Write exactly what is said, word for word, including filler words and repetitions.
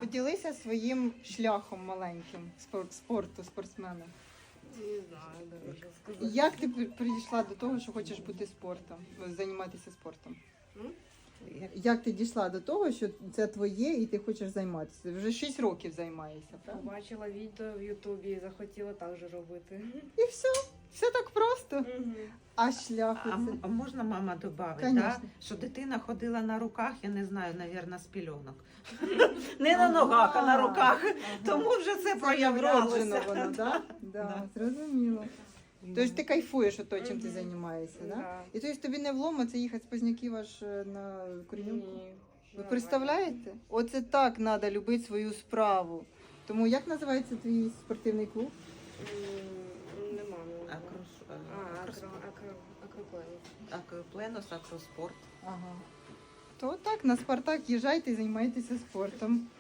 поділися своїм шляхом маленьким спорт, спорту, спортсмена. Не знаю, даже що сказати. Як ти при- прийшла до того, що хочеш бути спортом, займатися спортом? М? Як ти дійшла до того, що це твоє і ти хочеш займатися? Вже шість років займаєшся, правда? Побачила відео в Ютубі і захотіла так же робити. І все. Все так просто. А шлях А, м- оце? а можна мама додати, Конечно. да? Що дитина ходила на руках, я не знаю, навірно, з пільонок. Не на ногах, а на руках. Тому вже це Це вроджено проявлялося. воно, так? Да, зрозуміло. Тобто ти кайфуєш от то, чим ти Мгм. займаєшся, так? Да. І тобто тобі не вломо це їхати з Позняків аж е, на Коренюку? Ні. Ви Нормально. представляєте? Оце так треба любити свою справу. Тому як називається твій спортивний клуб? М, Нема. не знаю. Акрос- А, акро, акроспорт. акро, акропленус. Акропленос, акроспорт. Ага. То так, на Спартак їжджайте і займайтеся спортом.